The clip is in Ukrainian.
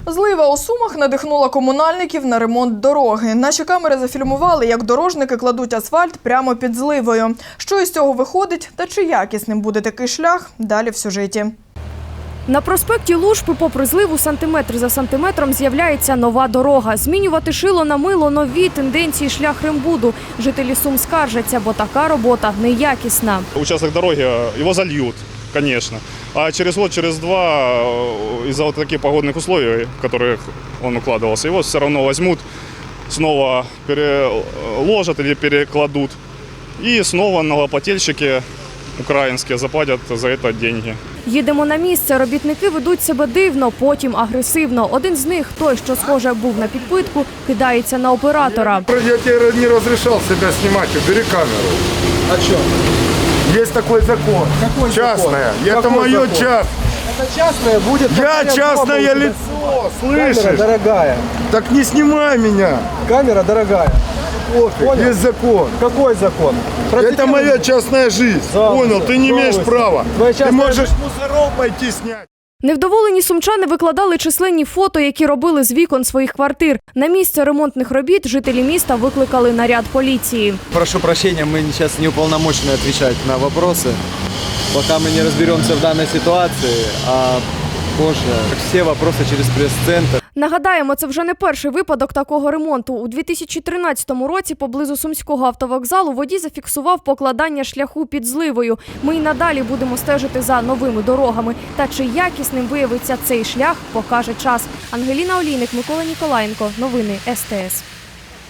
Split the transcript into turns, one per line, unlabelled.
Злива у Сумах надихнула комунальників на ремонт дороги. Наші камери зафільмували, як дорожники кладуть асфальт прямо під зливою. Що із цього виходить та чи якісним буде такий шлях – далі в сюжеті.
На проспекті Лужпи попри зливу сантиметр за сантиметром з'являється нова дорога. Змінювати шило на мило – нові тенденції шляхрембуду. Жителі Сум скаржаться, бо така робота неякісна.
Участок дороги, его зальют, конечно. А через год, через два, из-за вот таких погодных условий, в которых он укладывался, его все равно возьмут, снова переложат или перекладут. И снова налогоплательщики українські заплатять за це гроші.
Їдемо на місце. Робітники ведуть себе дивно, потім агресивно. Один з них, той, що, схоже, був на підпитку, кидається на оператора.
Я тебе не разрешал себя снимать, убери камеру.
А что?
Есть такой закон.
Какой
частное.
закон?
Это
Какой
мое
закон?
частное.
Это частное будет...
Я частное лицо,
Камера
слышишь?
дорогая.
Так не снимай меня.
Камера дорогая. Понял?
Есть закон.
Какой закон?
Это моя частная жизнь. Понял? Ты не имеешь права.
Твоя
Ты
частная
можешь мусоров пойти снять.
Невдоволені сумчани викладали численні фото, які робили з вікон своїх квартир. На місце ремонтних робіт жителі міста викликали наряд поліції.
Прошу прощения, мы сейчас не уполномочены отвечать на вопросы, пока мы не разберемся в данной ситуации, а позже все вопросы через пресс-центр.
Нагадаємо, це вже не перший випадок такого ремонту. У 2013 році поблизу Сумського автовокзалу водій зафіксував покладання шляху під зливою. Ми й надалі будемо стежити за новими дорогами. Та чи якісним виявиться цей шлях, покаже час. Ангеліна Олійник, Микола Ніколаєнко. Новини СТС.